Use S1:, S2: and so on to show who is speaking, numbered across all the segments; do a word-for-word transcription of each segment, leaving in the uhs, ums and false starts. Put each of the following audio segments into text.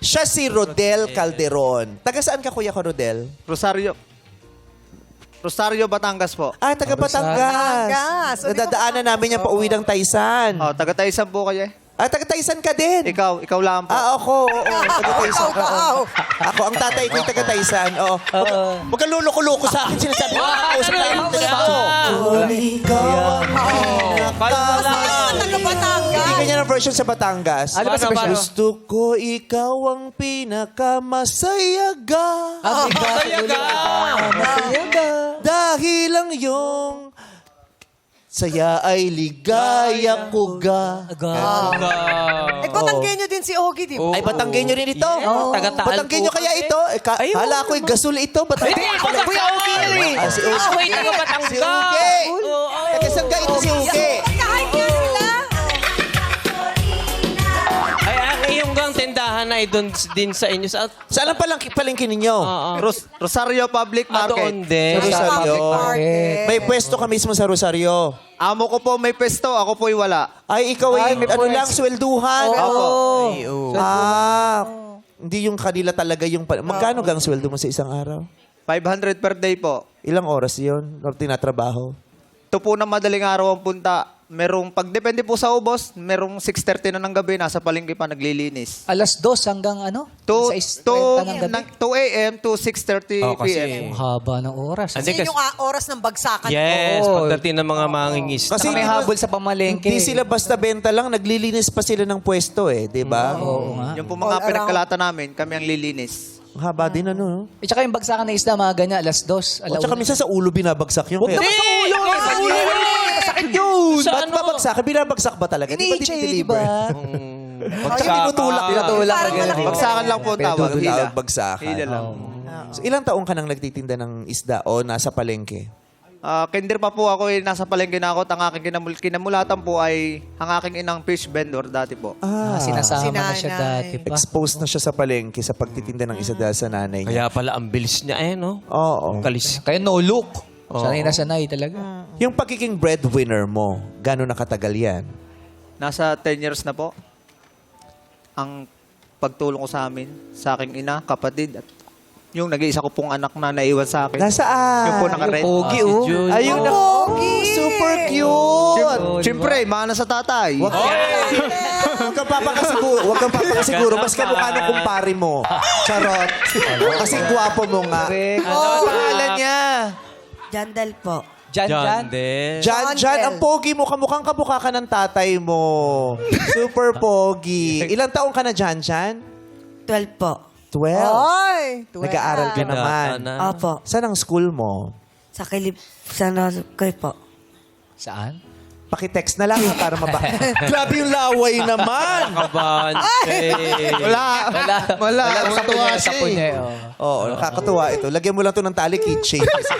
S1: Siya si Rodel Calderon. Taga saan ka, kuya ko, Rodel?
S2: Rosario. Rosario, Batangas po.
S1: Ah, taga Batangas.
S3: Batangas. O, di ba
S1: Nadadaanan namin yan pauwi ng Taysan.
S2: Oh, taga Taysan po kayo eh.
S1: Ah, taga Taysan ka din.
S2: Ikaw, ikaw lang po.
S1: Ah, ako. Oo, taga Taysan.
S3: Ikaw, ikaw.
S1: Oo. Ako, ang tatay ko yung taga Taysan. Oo. Huwag kang luloko-loko sa akin. Sinasabi ko, kausap tayo ng tao. Ikaw ang
S3: Ano, taga Batangas?
S1: Hindi ganyan ang version sa Batangas.
S4: Ano ba sa version?
S1: Gusto ko ikaw ang pinakamasayaga.
S4: Ah, Masayaga! Masayaga!
S1: Dahil ang iyong saya ay ligaya ko ga.
S3: Eh, Batanggenyo din si Ogie, di ba?
S1: Ay, Batanggenyo rin ito.
S4: Yes, taga-Taal
S1: Batanggenyo
S4: po
S1: kaya
S4: kami.
S1: ito. Eh, ka,
S4: Ayun,
S1: hala ko, gasol ito. Batanggenyo.
S4: Hindi, Kuya Ogie!
S1: Ah, si Uge.
S4: Ah, wait, taga Batangas.
S1: Si Uge. Taga-sangga ito si Uge.
S3: Kahit nga sila.
S5: Ay, ang iyong gang tindahan ay doon din sa inyo. Sa,
S1: Saan ang palang, palengke ninyo?
S5: Oo.
S2: Ros- Rosario Public
S5: Ah,
S2: Market.
S5: doon din.
S1: Sa Rosario.
S3: Public market.
S1: May pwesto ka mismo sa Rosario.
S2: Amo ko po may pesto, ako po'y wala.
S1: Ay, ikaw ay, ano lang, swelduhan.
S2: Opo.
S1: Ah, hindi yung kanila talaga yung... pa- Magkano gang sweldo mo sa isang araw?
S2: five hundred per day po.
S1: Ilang oras yun? Or tinatrabaho?
S2: Ito po na madaling araw ang punta. Merong, pag depende po sa ubos, merong six thirty na ng gabi, nasa palengke pa naglilinis.
S4: Alas dos hanggang ano?
S2: two
S4: two
S2: a m to six thirty
S5: Oh,
S2: p
S5: kasi-
S2: m.
S4: Haba ng oras.
S5: Hindi,
S3: Kasi
S5: kasi-
S3: yung ah, oras ng bagsakan.
S5: Yes,
S4: Oo.
S5: pagdating ng mga mangingis.
S1: Kasi
S4: Kasi may
S1: di ba-
S4: habol sa pamalengke.
S1: Hindi sila basta benta lang, naglilinis pa sila ng pwesto eh, di ba?
S4: Oo nga.
S2: Yung po
S3: All
S2: mga
S3: around.
S2: pinagkalata namin, kami ang lilinis.
S1: Ang haba din ano, no?
S4: At saka yung bagsakan na isda, mga ganyan, alas dos.
S1: O tsaka minsan sa ulo binabagsak yun.
S4: Huwag
S1: Kaya-
S4: naman sa ulo! Sa ulo! Sakit yun!
S5: Sa
S1: Ba't
S5: ano?
S1: babagsak? Binabagsak ba talaga? Di ba
S4: Ini-H A, di
S1: dinideliver?
S4: ba?
S1: Pag tinutulak, tinutulak.
S3: Parang malaki.
S2: Bagsakan lang po ang tawag. Hila.
S1: Tinutulak, bagsakan.
S2: Hila lang.
S1: So, ilang taong ka nang nagtitinda ng isda o nasa palengke?
S2: Ah, kinder pa po ako, eh, nasa palengke na ako. Ang aking kinamul- kinamulatan po ay ang aking inang fish vendor dati po.
S4: Ah, sinasama na siya
S3: Sinanay.
S4: dati pa.
S1: Exposed na siya sa palengke sa pagtitinda ng isda dahil sa nanay niya.
S5: Kaya pala ang bilis niya eh, no?
S1: Oo.
S5: Kalis.
S4: Kaya no look. Sanay na sanay talaga.
S1: Yung pagiging breadwinner mo, gano'n nakatagal yan?
S2: Nasa ten years na po. Ang pagtulong ko sa amin, sa aking ina, kapatid, at yung nag-iisa ko pong anak na naiwan sa akin.
S1: Nasaan?
S2: Yung po naka-red.
S4: Pogi,
S5: Si
S4: oh.
S5: Jun.
S1: Ayun na. Super cute!
S2: Siyempre, mana sa tatay.
S1: Wag Huwag kang papakasiguro. Huwag kang papakasiguro. Mas kamukha ng kumpare mo. Charot. Kasi gwapo mo nga.
S2: Ano pangalan niya?
S6: Jandal po.
S4: Jan,
S5: John
S4: Jan.
S5: din.
S1: Jan,
S3: John
S1: Jan,
S3: Bell.
S1: ang pogi mo. Kamukhang kamukha ka ng tatay mo. Super pogi. Ilang taong ka na, Jan, Jan?
S6: twelve po.
S1: twelve.
S3: Ay, twelve.
S1: Nag-aaral ka naman.
S5: na.
S6: Opo.
S1: Saan ang school mo?
S6: Sa kilip, sa Norcoy po.
S4: Saan?
S1: Pakitext na lang para maba. Grabe yung laway naman.
S5: Kabahan.
S2: Wala.
S4: Wala.
S2: Wala.
S4: Wala.
S2: Wala.
S4: Sapo niya, sapo niya. Oh.
S1: Oo, nakakatuwa ito. Lagyan mo lang to ng tali keychain.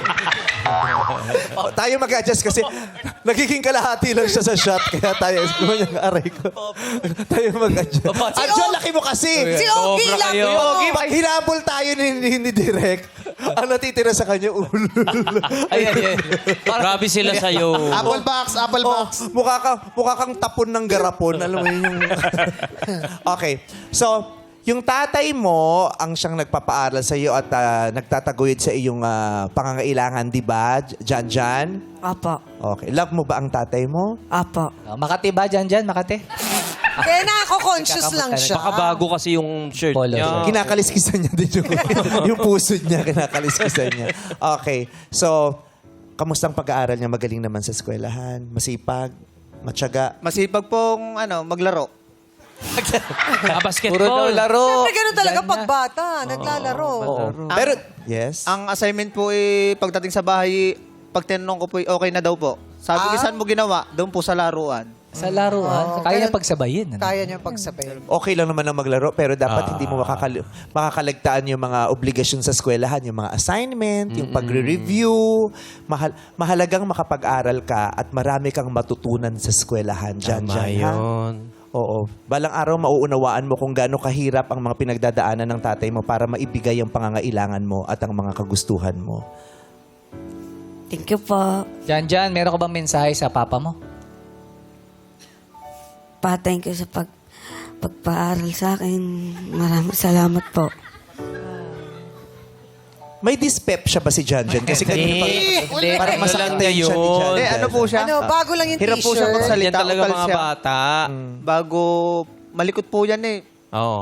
S1: Oh, tayo mag-adjust kasi nagiging kalahati lang siya sa shot. Kaya tayo, yung aray ko. tayo mag-adjust. Adjo, laki mo kasi.
S3: Si Ogie
S5: Sobra
S3: lang
S5: kayo.
S3: yun.
S1: Pogi, pag hinabol tayo ni, ni, ni Direk, ang natitira sa kanya, ulo.
S4: Ayan, ayan.
S5: Grabe sila sa'yo.
S2: Apple box, apple
S1: Oh,
S2: box.
S1: mukha, ka, mukha kang tapon ng garapon. Alam mo yun yung... okay. So, yung tatay mo ang siyang nagpapaaral sa iyo at ah, nagtataguyod sa iyong ah, pangangailangan, di ba, Jan Jan?
S6: Opo.
S1: Okay. Love mo ba ang tatay mo?
S6: Opo.
S4: Oh, Makati ba, Jan, Jan? Makati?
S3: Kaya nakako-conscious lang siya.
S5: Baka bago kasi yung shirt
S4: Polo
S5: niya.
S4: shirt.
S1: Kinakaliskisan niya din yung, yung puso niya. Kinakaliskisan niya. Okay. So, kamusta ang pag-aaral niya? Magaling naman sa eskwelahan? Masipag? Matyaga?
S2: Masipag pong ano, maglaro.
S5: Ah, basketball.
S4: Puro daw laro.
S3: Siyempre, ganun talaga
S4: Jan na.
S3: pag bata. Naglalaro.
S1: Oo. Pero, yes?
S2: Ang assignment po eh, pagdating sa bahay, pag tinanong ko po, eh, okay na daw po. Sabi ko,
S3: Ah.
S2: saan mo ginawa? Doon po sa laruan.
S4: Sa laruan.
S3: Oo,
S4: Kaya niya
S3: ganun-
S4: pagsabayin. Ano?
S3: Kaya niya pagsabay.
S1: Okay lang naman ang maglaro, pero dapat hindi mo makakal- makakalagtaan yung mga obligasyon sa eskwelahan, yung mga assignment, yung pagre-review. Mahal- mahalagang makapag-aral ka at marami kang matutunan sa eskwelahan. Diyan,
S5: Tama
S1: diyan, ha?
S5: yun.
S1: Oo. Balang araw, mauunawaan mo kung gaano kahirap ang mga pinagdadaanan ng tatay mo para maibigay ang pangangailangan mo at ang mga kagustuhan mo.
S6: Thank you po.
S4: Jan, Jan, meron ka bang mensahe sa papa mo?
S6: Pa, thank you sa pag pagpaaral sa akin. Maraming salamat po.
S1: May dyspepsia ba si Janjan? Kasi kanina pa,
S5: Hindi,
S1: parang
S5: ano
S1: masakit
S5: lang
S1: na
S5: na
S1: yun siya ni
S5: yun.
S1: Janjan.
S2: Eh, ano po siya?
S3: Ano, bago lang yung
S2: Hirap po siya
S3: t-shirt.
S2: magsalita.
S5: Yan talaga
S2: ukal
S5: mga
S2: siya.
S5: bata.
S2: Bago, malikot po yan eh.
S5: Oo.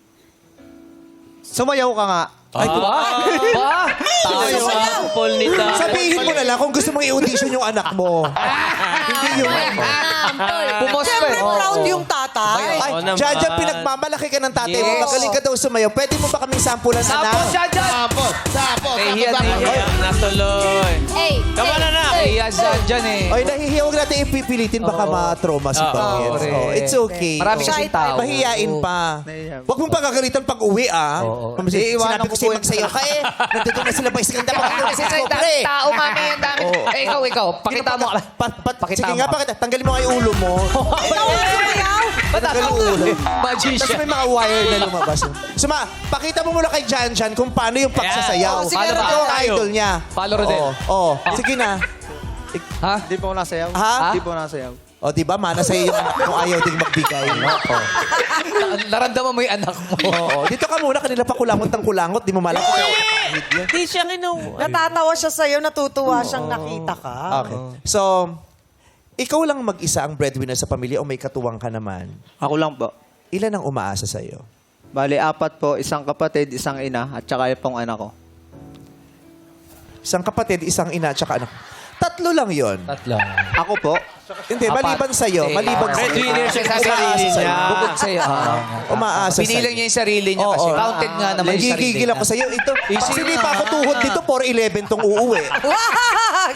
S2: Sumayaw ka nga.
S1: Ay,
S4: Ba? Ba?
S5: Sample ni Ta.
S1: sabihin mo na lang kung gusto mong i-audition yung anak mo. Hindi yung...
S4: Pumos ka
S3: Siyempre,
S4: eh.
S3: proud yung tatay.
S1: Ay,
S5: Oo naman.
S1: Janjan, pinagmamalaki ka ng tatay mo.
S5: Yes.
S1: Magaling ka daw sumayaw. Pwede mo ba kaming sampulan, anak?
S4: Sapos siya dyan!
S7: Sapot! Sapot!
S4: Nahihiya,
S7: Sapot!
S4: nahihiya.
S5: Ayan, natuloy.
S8: Hey,
S5: Tama na na.
S4: Nahihiya siya dyan eh.
S1: Ay, nahihiya. Huwag natin ipipilitin. Baka
S4: Oo.
S1: ma-trauma si
S5: Oo,
S1: Pangit.
S4: correct.
S1: Oh, it's okay.
S4: Marami
S1: Oh.
S4: kasing tao.
S1: Mahihiyain pa.
S2: Nahihiya.
S1: Huwag mong pagkagalitan pag uwi, ah.
S4: Oo.
S1: Kasi
S2: Iiwanan
S1: sinabi
S2: ko
S1: ko sa'yo
S2: po
S1: magsayaw ka eh. Nandito na sila pa iskanda pa kayo
S4: Kasi
S1: sa
S4: sa
S1: pre.
S4: tao, mami, ang dami. Eh, ikaw, ikaw. Pakita mo.
S1: Pat, pat,
S4: Pakita
S1: sige
S4: mo.
S1: nga, pakita. Tanggalin mo nga yung ulo mo.
S3: Ikaw ang sumayaw.
S1: Tanggalin yung ulo. Tapos
S4: Magician.
S1: may mga wire na lumabas. Suma, pakita mo muna kay Jan Jan kung paano yung pagsasayaw.
S3: Oh, sige,
S1: Paano ba?
S3: Rodel.
S1: Yung idol niya.
S4: Follow Rodel.
S1: Oo. Oo. Sige na.
S4: Ha?
S2: Di po ako nasayaw.
S1: Ha?
S2: Di po ako nasayaw.
S1: O, di ba? Mana sa'yo yung anak mo ayaw ding magbigay. Oo.
S4: Na- Naramdaman mo yung anak mo.
S1: Oo. Dito ka muna. Kanila pa kulangot ng kulangot. Di mo malam kung kaya kapahid yan.
S5: Hindi siya kinuha.
S3: Natatawa siya sa'yo, natutuwa siyang nakita ka.
S1: Okay. So, ikaw lang mag-isa ang breadwinner sa pamilya o may katuwang ka naman?
S2: Ako lang po.
S1: Ilan ang umaasa sa'yo?
S2: Bali, apat po. Isang kapatid, isang ina, at saka yung pong anak ko.
S1: Isang kapatid, isang ina, at saka anak. Tatlo lang yon.
S4: Tatlo.
S2: Ako po.
S1: Hindi,
S4: Apat.
S1: maliban sa'yo.
S4: Hindi.
S1: Maliban sa'yo.
S5: Breadwinner siya sa
S1: Umaasa
S5: sarili
S1: sa'yo.
S5: niya.
S4: Bukod sa'yo. ah.
S1: Umaasa
S4: Binilang
S1: sa'yo.
S4: niya yung sarili niya kasi
S1: Oo.
S4: counted nga naman yung sarili
S1: Nagigigil
S4: niya.
S1: ako sa'yo. Ito,
S4: Easy
S1: sili
S4: na.
S1: pa ako tuhod dito, four eleven tong uuwi.
S3: Wag!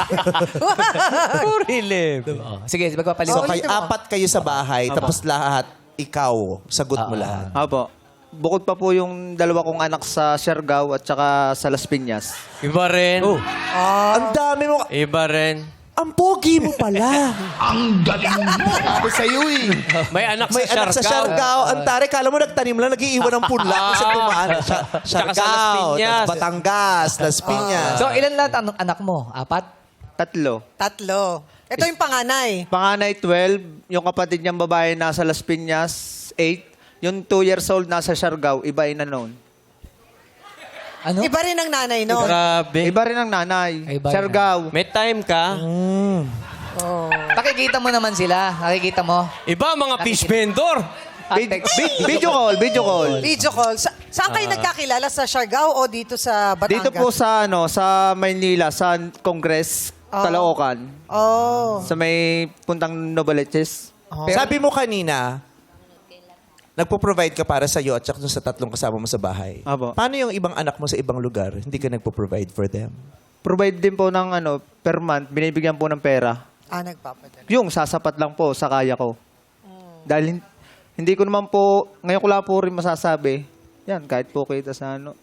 S4: Oo. Sige, magpapalit.
S1: So,
S3: Oo,
S1: kay
S3: ulitin mo.
S1: apat kayo sa bahay, tapos lahat, ikaw, sagot mo
S4: Ah.
S1: lahat.
S2: Apo. Bukod pa po yung dalawa kong anak sa Siargao at saka sa Las Piñas.
S5: Iba rin.
S1: Ang dami mo.
S5: Iba rin.
S1: Ang pogi mo pala.
S7: Sabi sa'yo eh.
S5: May anak
S1: May
S5: sa
S1: anak sa
S5: Siargao.
S1: Siargao. Ang tare, kala mo nagtanim lang, nag-iiwan ng punla. Kasi tumaan. Siya-
S5: Tsaka sa Las
S1: Siargao,
S5: Piñas.
S1: tas Batangas, Las Piñas.
S4: So, ilan lahat ang anak mo? Apat?
S2: Tatlo.
S3: Tatlo. Ito yung panganay.
S2: Panganay, twelve. Yung kapatid niyang babae nasa Las Piñas, eight. Yung two years old nasa Siargao, iba ina noon.
S4: Ano?
S3: Iba rin ang nanay, no?
S5: Grabe.
S2: Iba rin ang nanay.
S4: Iba rin.
S2: Siargao.
S5: May time ka.
S4: Nakikita mo naman sila. Nakikita mo.
S5: Iba mga fish vendor.
S4: Ah,
S2: Vid-
S4: text.
S2: vid- video call, video call.
S3: Video call. Sa- saan kayo nagkakilala? Sa Siargao o dito sa Batangas?
S2: Dito po sa ano, sa Maynila, sa Congress,
S3: Oh.
S2: Caloocan.
S3: Oh.
S2: Sa may puntang Novaliches.
S1: Sabi mo kanina, nagpo-provide ka para sa'yo at saka dun sa tatlong kasama mo sa bahay.
S2: Apo.
S1: Paano yung ibang anak mo sa ibang lugar? Hindi ka nagpo-provide for them?
S2: Provide din po ng ano, per month, binibigyan po ng pera.
S3: Ah, nagpapadala.
S2: Yung sasapat lang po sa kaya ko. Dahil hin- hindi ko naman po, ngayon ko lang po rin masasabi, yan, kahit po kita sa ano.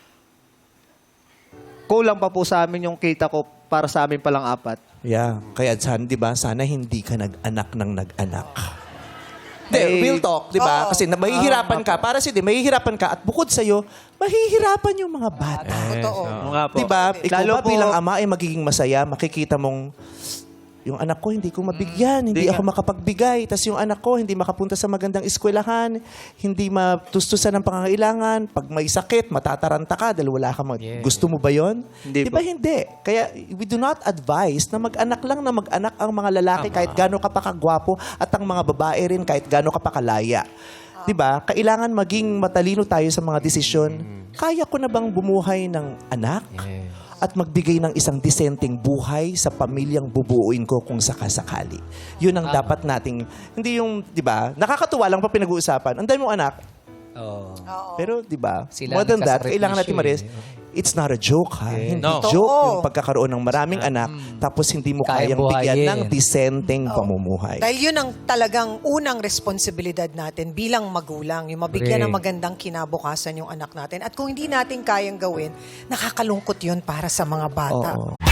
S2: Kulang pa po sa amin yung kita ko para sa amin palang apat.
S1: Yeah. Kaya sana, di ba, sana hindi ka nag-anak ng nag-anak. Hindi,
S2: Eh,
S1: real talk, di ba?
S3: oo.
S1: Kasi na, mahihirapan ka. Para si di, mahihirapan ka. At bukod sa'yo, mahihirapan yung mga bata.
S3: Totoo.
S2: Nga po.
S1: Di ba? Ikaw
S2: Lalo
S1: ba
S2: po-
S1: bilang ama ay magiging masaya? Makikita mong, yung anak ko hindi ko mabigyan, hindi
S2: Di
S1: ako
S2: nga.
S1: makapagbigay. Tapos yung anak ko hindi makapunta sa magandang eskwelahan, hindi matustusan ng pangangailangan. Pag may sakit, matataranta ka dahil wala ka mag- Gusto mo ba yon?
S2: Hindi
S1: Di ba
S2: po.
S1: hindi? Kaya we do not advise na mag-anak lang na mag-anak ang mga lalaki kahit gaano ka pa kagwapo at ang mga babae rin kahit gaano ka pa kalaya. Di ba? Kailangan maging matalino tayo sa mga desisyon. Kaya ko na bang bumuhay ng anak? At magbigay ng isang disenteng buhay sa pamilyang bubuuin ko kung sakasakali. Yun ang dapat nating, hindi yung, di ba, nakakatuwa lang pa pinag-uusapan. Ang dami mong anak,
S4: Oo.
S1: pero di ba,
S4: Sila
S1: more than that,
S4: nagsasakripisyo
S1: kailangan natin maris,
S4: eh.
S1: it's not a joke ha. Hindi
S5: No.
S1: joke
S3: Totoo.
S1: yung pagkakaroon ng maraming anak tapos hindi mo
S4: Kayang
S1: kayang bigyan
S4: buhayin.
S1: ng disenteng pamumuhay.
S3: Dahil yun ang talagang unang responsibilidad natin bilang magulang, yung mabigyan ng
S4: Correct.
S3: magandang kinabukasan yung anak natin. At kung hindi natin kayang gawin, nakakalungkot yun para sa mga bata.
S1: Oo.